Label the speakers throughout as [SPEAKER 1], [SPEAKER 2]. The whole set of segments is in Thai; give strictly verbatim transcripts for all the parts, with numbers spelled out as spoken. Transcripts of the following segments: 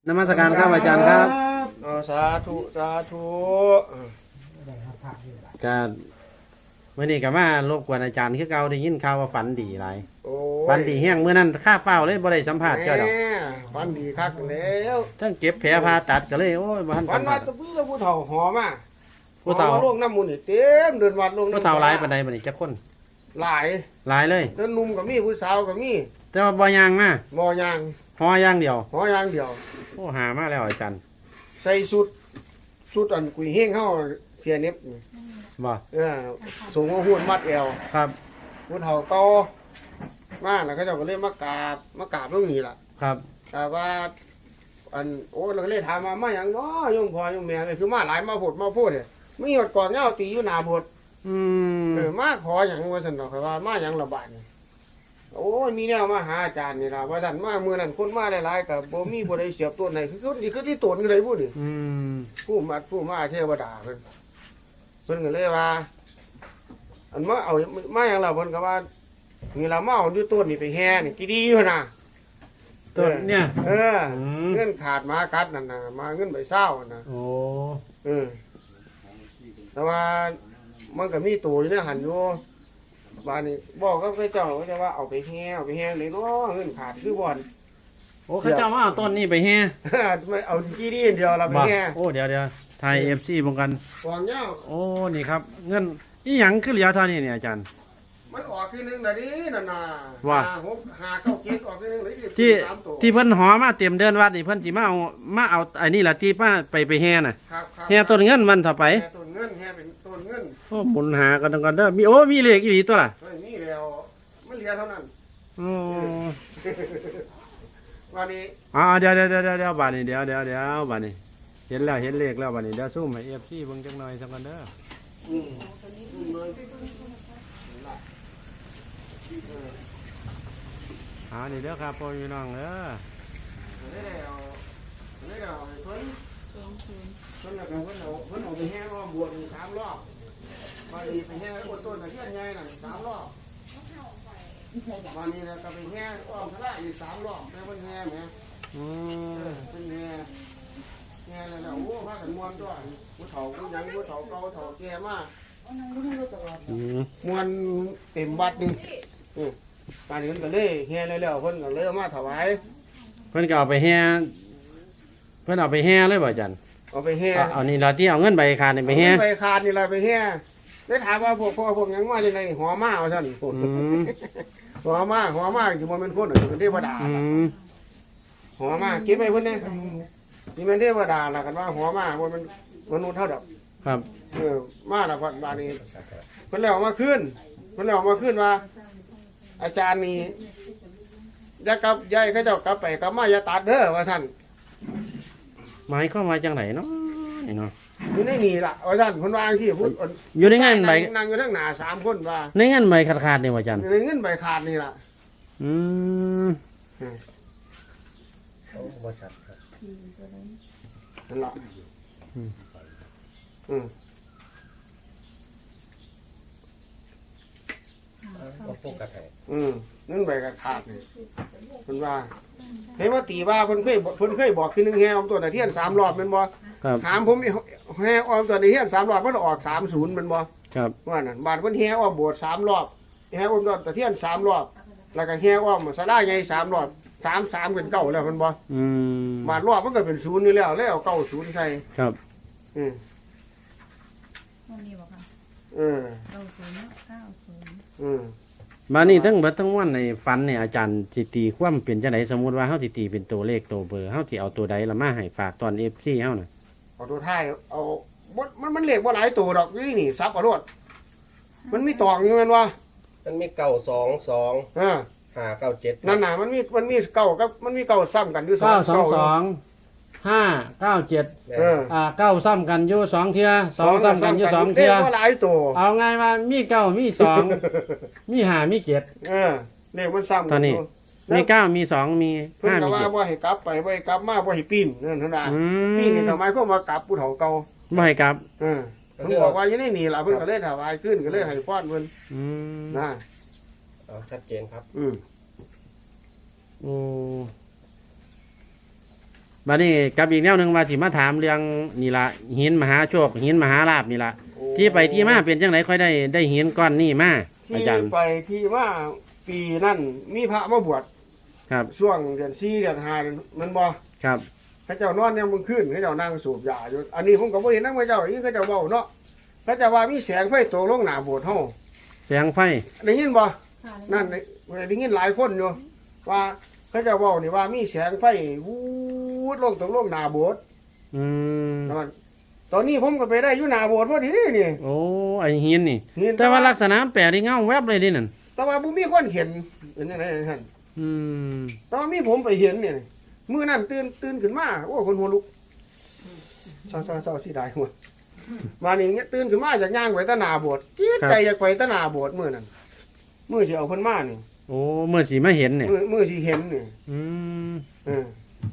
[SPEAKER 1] นมัสการครับอาจารย์ครับ
[SPEAKER 2] สาธุสาธุ
[SPEAKER 1] การเมื่อนี้กับว่ารบกวนอาจารย์คือเก่าได้ยินข่าวว่าฝันดีหลายฝันดีแห้งเมื่อนั้นข้าเฝ้าเลยบ่ได้สัมผัสเจ้าดอก
[SPEAKER 2] ฝันดีคักแล้ว
[SPEAKER 1] ทั้งเก็บแผลผ่าตัดก็เลยโอ้ยบ้าน
[SPEAKER 2] ฝันว่าตะพื้นผู้เฒ่าหอมา
[SPEAKER 1] ผู้เฒ่า
[SPEAKER 2] ลงน้ำมูลนี่เต็มเดินวัดลง
[SPEAKER 1] ผู้เฒ่าหลายปานใดบัดนี้จักคน
[SPEAKER 2] หลาย
[SPEAKER 1] หลายเลย
[SPEAKER 2] เดินนุ่มก็มีผู้สาวก็มี
[SPEAKER 1] แต่ว่าบ่ยางมา
[SPEAKER 2] บ่ยาง
[SPEAKER 1] หอย่างเดียว
[SPEAKER 2] หอย่างเดียว
[SPEAKER 1] โอ้หามาแล้วอาจารย์
[SPEAKER 2] ใส่สุดสุดอันกุยเฮงเฮาเสียเน็บ
[SPEAKER 1] บ่
[SPEAKER 2] เออสูงหุ่นมัดเอว
[SPEAKER 1] ครับ
[SPEAKER 2] ผู้เฒ่าเก่ามาแล้วเขาเจ้าก็เลยมากราบมากราบตรงนี้ล่ะ
[SPEAKER 1] ครับ
[SPEAKER 2] แต่ว่าอันโอ้เราก็เลยถามมามาอย่างน้อยงพ่อยงแม่เลยคือมาหลายมาพูดมาพูดเนี่ยมีหดก่อนเงาตีอยู่หนาบด
[SPEAKER 1] อืม
[SPEAKER 2] เออมาขออย่างว่าสันดอกว่ามาอย่างระบาดโอ้ยมีแนวมาหาอาจารย์นี่ล่ะว่าสันมาเมื่อนั้นคนมาหลายๆกับบ่มีบ่ได้เสียบตัวไหนคือคือคือที่ตนกันเลยพูดดิ
[SPEAKER 1] อืม
[SPEAKER 2] ผู้มาผู้มาเทวดาเพิ่นเพิ่นก็เลยว่าอันมาเอามาอย่างเราเพิ่นก็ว่านี่เรามาเอาอยู่ต้นนี่ไปแห่นี่กี่ดีอยู่น่ะ
[SPEAKER 1] ต้นเนี่ย
[SPEAKER 2] เออเงินขาดมากัดนั่นน่ะมาเงินใบเศร้าน่ะ
[SPEAKER 1] โอ้
[SPEAKER 2] เออแต่ว่ามันก็มีตัวอยู่ในหันอยู่บ้านนี้บอกก็เจ้าก็จะว่าเอาไปแห่เอาไปแห่เลยเนาะเงินขาดคือบ่อน
[SPEAKER 1] โอ้เขาเจ้ามาเอาต้นนี้ไปแห่
[SPEAKER 2] ไม่เอากี่ดีเดียวเราไปแห่
[SPEAKER 1] โอ้เดี๋ยวเดี๋ยวไทยเอฟซีบงกัน
[SPEAKER 2] วางเงี้ย
[SPEAKER 1] โอ้นี่ครับเงินนี่หยังขึ้นเหลียวเท่านี้เนี่ยอาจารย์
[SPEAKER 2] มันออกทีนึงแบบนี้น่ะนะ
[SPEAKER 1] ว่า
[SPEAKER 2] หกหาเก้าเจ็ดออกทีนึงเลย
[SPEAKER 1] ที่ที่เพิ่นหอมาเตรียมเดินวัดนี่เพิ่นสิมาเอามาเอาไอ้นี่ล่ะที่ป้าไปไปแห่น่ะแห่ต้นเงินมันต่อไป
[SPEAKER 2] แห่ต้นเงินแห่เป็นต้นเงิน
[SPEAKER 1] โอ้หมุนหากันกันเด้อมีโอ้มีเลขอีหลีตัวล่ะ
[SPEAKER 2] มีแล้วมันเหลือเท่านั้น
[SPEAKER 1] โอ้
[SPEAKER 2] วันนี้
[SPEAKER 1] อ๋อเดี๋ยวเดี๋ยวเดี๋ยวเดี๋ยวบาดนี้เดี๋ยวเดี๋ยวเดี๋ยวบาดนี้เห็นแล้วเห็นเลขแล้วบาดนี้เดี๋ยวซูมให้ เอฟ ซี เบิ่งจักหน่อยสักกันเด้ออืมอ่านี่เด้อครับพ่อพี่น้องเด้อ
[SPEAKER 2] ได้แล้วได้แล้วเพิ่นเพิ่นแล้วก็เพิ่นเอาเพิ่นเอาไปแห่รอบบวชสามรอบวันนี้ไปแห่บนต้นตะเคียนใหญ่น่ะสามรอบวันนี้เราก็ไปแห่อ้อมทะเลอีกสามรอบแล้วเพิ่นแห่แหม
[SPEAKER 1] อืม
[SPEAKER 2] เพิ่นแห่แห่แล้วโอ้พากันม่วนด้วยผู้เฒ่าผู้ยังผู้เฒ่าเก่าเฒ่าแก่มากม่วนเต็มวัดนี่การนี้เพิ่นก็เลยแห่แล้วเพิ่นก็เลยเอามาถวาย
[SPEAKER 1] เพิ่นก็เอาไปแห่เพิ่นเอาไปแห่เลยบ่อาจารย์
[SPEAKER 2] เอาไปแห่
[SPEAKER 1] เอานี่ล่ะที่เอาเงินใบขาดนี่ไปแห่
[SPEAKER 2] ใบขาดนี่ล่ะไปแห่ได้ถามว่าพวกพ่อพวกยังมาจังได๋หอมาเอาซั่นหอมาหอมาสิบ่แม่นคนเป็นเทวดาหอมาคิดไปเพิ่นแน่นี่แม่นเทวดาล่ะกันว่าหอมาบ่แม่นมนุษย์เท่าดอก
[SPEAKER 1] ครับ
[SPEAKER 2] เออมาแล้วบัดนี้เพิ่นแล้วมาขึ้นเพิ่นแล้วมาขึ้นว่าอาจารย์นี่อย่ากลับยายเขาเจ้ากลับไปกลับมาอย่าตัดเด้อว่าท่าน
[SPEAKER 1] หมายความว่าจังไหนเนาะนี่เนาะ
[SPEAKER 2] อยู่ในนี่ล่ะว่าท่านคนวางที่พูด
[SPEAKER 1] อยู่ในเงินใบ
[SPEAKER 2] นั่งอยู่ทั้งหน้าสามคนว่า
[SPEAKER 1] ในเงินใบขาดขาดนี่ว่าอาจารย์
[SPEAKER 2] ในเงินใบขาดนี่ล่ะ
[SPEAKER 1] อืม
[SPEAKER 2] บ่ชัดครับนั่นล่ะอืมอืมอืมนั่นใบกระขาดนี่เพิ่นว่าเห็นว่าตีว่าเพิ่นเคยเพิ่นเคยบอกคือหนึ่งแห่อมตัวตะเทียนสามรอบเป็นบ่ถามผมแห่อมตัวตะเทียนสามรอบมันออกสามศูนย์เป็นบ่
[SPEAKER 1] ครับ
[SPEAKER 2] ว่านั่นบาดเพิ่นแห่ออมโบสถ์สามรอบแห่อมตัวตะเทียนสามรอบแล้วก็แห่อมศาลาใหญ่สามรอบสามสามเป็นเก้าแล้วเป็นบ่
[SPEAKER 1] อืม
[SPEAKER 2] บาดรอบมันก็เป็นศูนย์นี่แล้วแล้วเอาเก้าศูนย์ใส่
[SPEAKER 1] ครับ
[SPEAKER 2] อืมเออ
[SPEAKER 3] เก้าศูนย์เก้าศูนย์
[SPEAKER 2] อืม
[SPEAKER 1] มานี่ทั้งเบิดทั้งวันในฝันเนี่ยอาจารย์สิตีความเป็นจังได๋สมมุติว่าเฮาสิตีเป็นตัวเลขตัวเบอร์เฮาสิเอาตัวใดละมาให้ฝากตอน เอฟ ซี เฮาน่ะ
[SPEAKER 2] เอาตัวท้ายเอาบ่มันมันเลขบ่หลายตัวดอกนี่นี่ซับเอาโลดมันมีตองอยู่แม่นบ่
[SPEAKER 4] มันมีเก้าสองสอง
[SPEAKER 2] อ่า
[SPEAKER 4] ห้าเก้าเจ็ด
[SPEAKER 2] นั่นน่ะมันมีมันมีเก้ากับมันมีเก้าซ้ำกันอยู่
[SPEAKER 1] สอง เก้า สอง สอง ห้า เก้า เจ็ดเอออ่าเก้าซ้ำกันอยู่สองเที่ยสองซ้ำกันอยู่สองเที่ย
[SPEAKER 2] บ่หลายตัว
[SPEAKER 1] เอาไงว่ามีเก้ามีสองมีห้ามีเจ็ด
[SPEAKER 2] เออเลขมันซ้ำ
[SPEAKER 1] ตอนนี้มีเก้ามีสองมี
[SPEAKER 2] ห้ามีเจ็ดเพิ่นก็ว่าบ่ให้กลับไปบ่ให้กลับมาบ่ให้ปีนนั่นเท่านั้นปีนนี่ทำไมเขามากลับผู้เฒ่าเก่า
[SPEAKER 1] บ่ให้กลับ
[SPEAKER 2] เออเพิ่นบอกว่าอยู่ในนี่ล่ะเพิ่นก็เลยถวายขึ้นก็เลยให้พรเพิ่น
[SPEAKER 1] อืม
[SPEAKER 2] นะ
[SPEAKER 4] อ๋อชัดเจนครับ
[SPEAKER 2] อืม
[SPEAKER 1] โอ้บัดนี้กับอีกแนวหนึงว่าสิมาถามเรื่องนี่ล่ะหินมหาโชคหินมหาลาภนี่ล่ะที่ไปที่มาเป็นจังไดค่อยได้ได้หินก้อนนี้มาอา
[SPEAKER 2] ที่
[SPEAKER 1] จารย์
[SPEAKER 2] ไปที่ว่าปีนั่นมีพระมาบวช
[SPEAKER 1] ครับ
[SPEAKER 2] ช่วงเดือนสี่เดือนห้ามันบ่
[SPEAKER 1] ครับ
[SPEAKER 2] พระเจ้านอนยังมึงขึ้นพระเจ้านั่งสูบยาอยู่อันนี้ผมก็บ่เห็นนำพระเจ้าอีกพระเจ้าเว้าเนาะพระเจ้าว่ามีแสงไฟตกลงหน้าโบสถ์เฮา
[SPEAKER 1] แสงไฟ
[SPEAKER 2] ได้ยินบ่
[SPEAKER 3] ค่ะ
[SPEAKER 2] นั่นได้ยินหลายคนอยู่ว่าพระเจ้าเว้านี่ว่ามีแสงไฟวูดลงตกลงหน้าโบสถ์
[SPEAKER 1] อืม
[SPEAKER 2] นั่นตอนนี้ผมก็ไปได้อยู่หน้าโบสถ์พอดีนี่
[SPEAKER 1] โอ้ไอหินนี่
[SPEAKER 2] เห็น
[SPEAKER 1] แต่ว่าลักษณะแปลกที่เงาแวบเลยดินั่น
[SPEAKER 2] แต่ว่าบ่มีคนเห็นเป็นจังไดท่าน
[SPEAKER 1] อืม
[SPEAKER 2] แต่ว่ามีผมไปเห็นเนี่ยมื้อนั้นตื่นตื่นขึ้นมาโอ้คนหัวลุกเศร้าๆๆสิได้หัวมานี่เงี้ยตื่นขึ้นมาจากย่างไปตะหนาโบสถ์จี๊ดใจอยากไปตะหนาโบสถ์มื้อนั้นมื้อสิเอาเพิ่นมานี่
[SPEAKER 1] โอ้เมื่อสีมาเห็นเนี่ย
[SPEAKER 2] มื้อมื้อสิเห็นนี่
[SPEAKER 1] อืม
[SPEAKER 2] เออ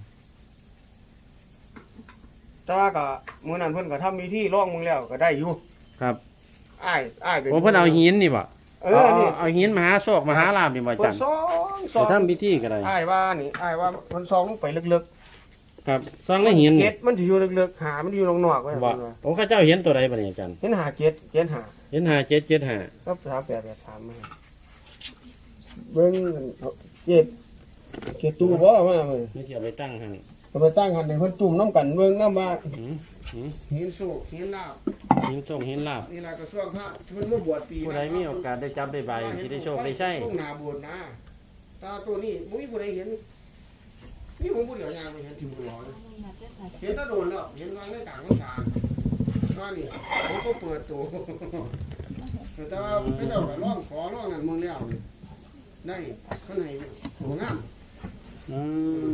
[SPEAKER 2] แต่ว่าก็มื้อนั้นเพิ่นก็ทำพิธีร้องมึงแล้วก็ได้อยู่
[SPEAKER 1] ครับ
[SPEAKER 2] อ้ายอ้ายเป็น
[SPEAKER 1] โอ้เพิ่นเอาหินนี่บ่
[SPEAKER 2] เอ
[SPEAKER 1] เอา
[SPEAKER 2] อ
[SPEAKER 1] เอา
[SPEAKER 2] นี่
[SPEAKER 1] เอาหินมหาโชคมหาลาภนี่บ่อา
[SPEAKER 2] เพิ่
[SPEAKER 1] จาน รย์
[SPEAKER 2] สองส
[SPEAKER 1] จะ
[SPEAKER 2] อง
[SPEAKER 1] ทำพิธีก็ได้
[SPEAKER 2] อ้ายว่านี่อ้ายว่าเพิ่นซองลงไปลึก
[SPEAKER 1] ครับสร้างในหิน
[SPEAKER 2] ๆ
[SPEAKER 1] นี่
[SPEAKER 2] เก็ดมันสิอยู่ลึกๆหามันอยู่นอกๆไว้
[SPEAKER 1] บ่
[SPEAKER 2] เพิ่นว่า
[SPEAKER 1] โอ้ข้าเจ้าเห็นตัวใดบ่เนี่ยอาจารย์
[SPEAKER 2] เห็นหาเก็ดเก็ดหา
[SPEAKER 1] เห็นห้าเจ็ดเจ็ดห้า
[SPEAKER 2] ก็สามแปดแปดสามมาเบิ้งเจ็ดเจ็ดตู้บ่มาเบิ่ง
[SPEAKER 1] นี่สิเอาไปตั้งให้
[SPEAKER 2] ก็ไปตั้งหันในเพิ่นจุ่มน้ำกันเบิ่งน้ำว่า
[SPEAKER 1] หืมหืม
[SPEAKER 2] หินสุกหินลาบ
[SPEAKER 1] หินโชคหินลาภ
[SPEAKER 2] นี่ล่ะกระทรวงพระเพิ่นมาบวชปี
[SPEAKER 1] ผู้ใดมีโอกาสได้จับได้ใบสิได้โชคได้ใช้
[SPEAKER 2] ต้องหน้าโบสถ์นะตาตัวนี้บ่มีผู้ใดเห็นนี่ผมผู้เดียวยางไปเห็นถึงบ่ร้อยเห็นแตะโดนแล้วเห็นวางในกลางของศาลว่านี่ผมก็เปิดตัวแต่ว่าไม่ได้ไปร้องขอร้องนั่นมึงแล้วนี่ได้เพิ่นให้โหงาม
[SPEAKER 1] อืม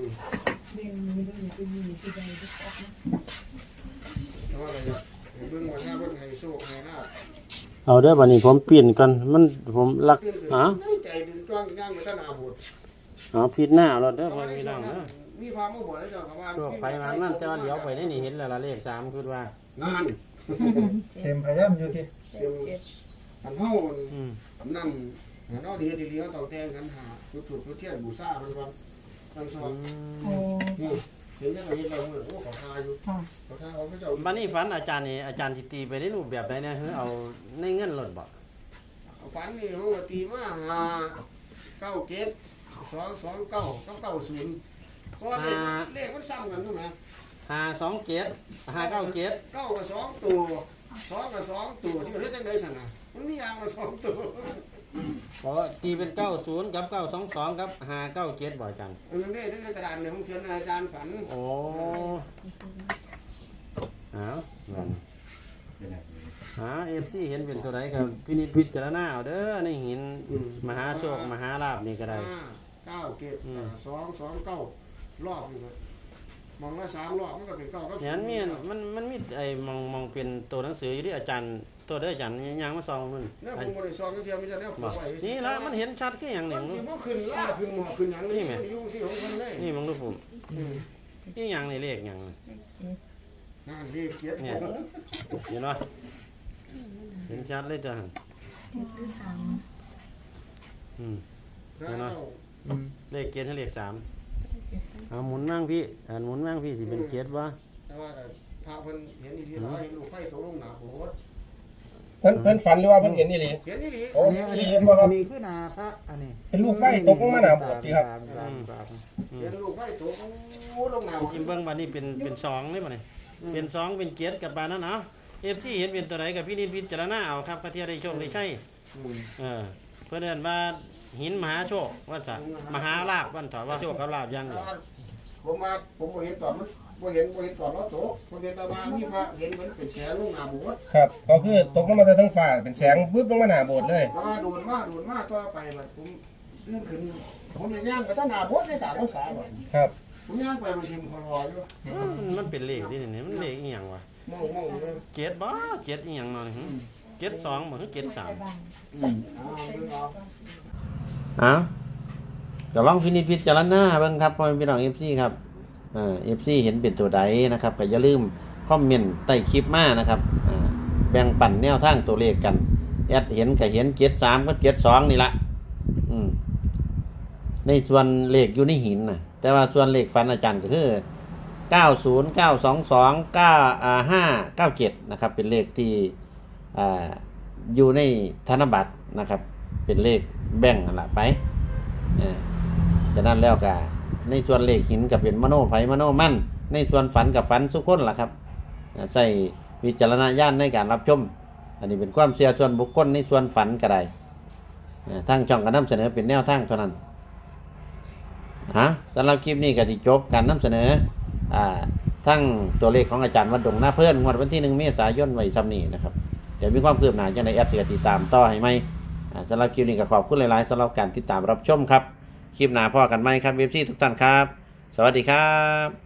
[SPEAKER 2] แต่ว่าอะไรเนี่ยเบิ่งว่าถ้าเบิ่งให้โชคให้ลาภ
[SPEAKER 1] เอาเด้อบัดนี้ผมเปลี่ยนก่อนมันผมลัก
[SPEAKER 2] ตื่นขึ้น
[SPEAKER 1] อ๋อ
[SPEAKER 2] ใจดึงจ้องย่างไปตะหนาโบสถ์
[SPEAKER 1] เอาผิดหน้าเอาแล้วเด้อพ่อพี่น้องเด้อ
[SPEAKER 2] มีพามาบวชแล้วเจ้าก็ว่า
[SPEAKER 1] โชคไปมานั่นเจ้าเดี๋ยวไปได้นี่เห็นแล้วล่ะเลขสามคือว่า
[SPEAKER 2] งาน
[SPEAKER 4] เต็มพยายามอยู่ที่
[SPEAKER 3] เจ็ดเจ็ด
[SPEAKER 2] อันเฮา
[SPEAKER 1] อืม
[SPEAKER 2] นั่นอันเอาดีดีๆเขาต้องแต่งกันหาจุดจุดจุดเทียนบูชาเพิ่นว่าท่านสอน
[SPEAKER 3] โอ้
[SPEAKER 2] นี่เห็นยังไงเห็นเราเหมือนโอ้ขอทาอยู่
[SPEAKER 3] ค่ะ
[SPEAKER 2] ขอทาเขาพระเจ้า
[SPEAKER 1] บัดนี้ฝันอาจารย์นี่อาจารย์สิตีไปในรูปแบบใดเนี่ยคือเอาในเงินหล่นบ่
[SPEAKER 2] เอาฝันนี่เขาก็ตีมาหาเก้าเกตสองสองเก้าเก้าเก้าศูนย์เพราะว่าเลขเลขมันซ้ำกันใช่ไหม
[SPEAKER 1] ห้าสองเจ็ดห้าเก้าเจ็ด
[SPEAKER 2] เก้ากับสองตัวสองกับสองตัวที่เฮ็ดจังได๋ซั่นน่ะมันมีอย่างละสองตัว
[SPEAKER 1] เพราะตีเป็นเก้าศูนย์กับเก้าสองสองกับห้าเก้าเจ็ดบ่อาจารย์
[SPEAKER 2] เออนี่ในกระดานเนี่ยผมเขียนอาจารย์ฝัน
[SPEAKER 1] โอ้เอานั่นหาเอฟซีเห็นเป็นตัวไหนครับพินิจพิจารณาเอาเด้อในหินมหาโชคมหาลาภนี่ก็ได้
[SPEAKER 2] ห้าเก้าเกต
[SPEAKER 1] อืม
[SPEAKER 2] สองสองเก้ารอบนี่เลยมองละสามรอบมันก็เป็นเก้าก็
[SPEAKER 1] เห็นมีอันมันมันมีไอ้มองมองเป็นตัวหนังสืออยู่ที่อาจารย์ตัวเด้ออาจารย์ยังมาซองมัน
[SPEAKER 2] เนี่ยผมบ่ได้ซองเดียวมีแต่เนี่ยผม
[SPEAKER 1] บ่
[SPEAKER 2] ไว้
[SPEAKER 1] นี่ละมันเห็นชัดแค่อย่างห
[SPEAKER 2] มั
[SPEAKER 1] นึ่
[SPEAKER 2] น
[SPEAKER 1] ง
[SPEAKER 2] สิบ่ขึ้นล่าขึ้นหมอขึ้นหยังนี่มันอยู่สิของคนเลย
[SPEAKER 1] นี่มองดูผม
[SPEAKER 2] อืม
[SPEAKER 1] นี่อย่างนี่เลขอย่าง
[SPEAKER 2] นั่นเลขเกียรติ
[SPEAKER 1] เนี่ยเห็นป่ะเห็นชัดเลยจ้ะ
[SPEAKER 3] เจ็ดหรือสาม
[SPEAKER 1] อืม
[SPEAKER 2] พระเจ้า
[SPEAKER 1] เลขเกียรติให้เลขสามเอาหมุนนั่งพี่อ่านหมุนนั่งพี่สิเป็นเกียรติวะ
[SPEAKER 2] แต่ว่าแต่พระเพิ่นเห็นดีๆเนาะเห็นลูกไฟตกลงหน้าโบสถ์
[SPEAKER 4] เพิ่นเพิ่นฝันหรือว่าเพิ่นเห็นนี่หลี
[SPEAKER 2] เห็นดีๆ
[SPEAKER 4] โอ้เห็นนี่เห็นบ่ครับ
[SPEAKER 5] อันนี้คือนาพระอันนี้
[SPEAKER 4] เป็นลูกไฟตกลงมาหน้าโบสถ์ดีครับ
[SPEAKER 5] สามสามสาม
[SPEAKER 1] อื
[SPEAKER 2] เห็
[SPEAKER 1] ม
[SPEAKER 2] นลูกไฟตกลงหน้าโบสถ์
[SPEAKER 1] กินเบิ้งวันนี้เป็นเป็นสองเลยป่ะเนี่ยเป็นสองเป็นเกียรติกับบานนั้นเนาะเอฟซีเห็นเป็นตัวไหนกับพี่นิดพิจารณาเอาครับพระเทียได้โชคได้ใช่
[SPEAKER 2] อืม
[SPEAKER 1] เออเพื่อนเดินมาหินมหาโชคว่าจะมหาลาภวันถอดว่าโชคกับลาภอยัง
[SPEAKER 2] แต่
[SPEAKER 1] เดียว
[SPEAKER 2] ว่าผมมาผมบ่เห็นตอนมันบ่เห็นบ่เห็นตอนเราตกผมเห็นแต่ว่ามีพระเห็นมันเป็นแสงลงหน้าโบสถ์
[SPEAKER 4] ครับ ก็คือตกลงมาจากทั้งฟ้าเป็นแสงปึ๊บลงมาหน้าโบสถ์เลย
[SPEAKER 2] แล้วว่าโดนมาโดนมาต่อไปแบบผมลื่นขึ้นผมยังย่างไปตั้งหน้าโบสถ์ในกลางรักษาบ่
[SPEAKER 4] ครับ
[SPEAKER 2] ผมย่างไปมันทิมคอรออยู่
[SPEAKER 1] เออมันมันเป็นเลขที่นี่มันเลขอีหยังวะ
[SPEAKER 2] มองมองเลย
[SPEAKER 1] เกียรติบ่เกียรติอีหยังมาเนี่ยเกียรติสองบ่คือเกียรติสาม
[SPEAKER 2] อืมอ่าเบิ่งเอา
[SPEAKER 1] อ้าวก็ลองพินิจพิจารณาเบิ่งครับพ่อแม่พี่น้อง เอฟ ซี ครับเอ่อ เอฟ ซี เห็นเป็นตัวใดนะครับก็อย่าลืมคอมเมนต์ใต้คลิปมานะครับอ่าแบ่งปันแนวทางตัวเลขกันแอดเห็นก็เห็นเกียรติสามกับเกียรติสองนี่ละอืมในส่วนเลขอยู่ในหินน่ะแต่ว่าส่วนเลขฟันอาจารย์ก็คือเก้าศูนย์ เก้าสองสอง เก้าอ่าห้า เก้าเจ็ดนะครับเป็นเลขที่อ่าอยู่ในธนบัตรนะครับเป็นเลขแบ่งนั่นล่ะไปเออจากนั้นแล้วก็ในส่วนเลขหินก็เป็นมโนไผมโนมั่นในส่วนฝันกับฝันสุคนล่ะครับใส่วิจารณญาณในการรับชมอันนี้เป็นความเชื่อส่วนบุคคลในส่วนฝันก็ได้ทางช่องก็นำเสนอเป็นแนวทางเท่านั้นฮะสำหรับคลิปนี้ก็สิจบการนำเสนออ่าทั้งตัวเลขของอาจารย์วัดดงหน้าเพื่อนงวดวันที่หนึ่งเมษายนไว้ซ้ำนี้นะครับเดี๋ยวมีความคืบหน้าจังได๋แอปสิติดตามต่อให้ไหมอ่าสำหรับคลิปนี้ก็ขอบคุณหลายๆสำหรับการติดตามรับชมครับคลิปหน้าพอกันไหมครับเอฟซีทุกท่านครับสวัสดีครับ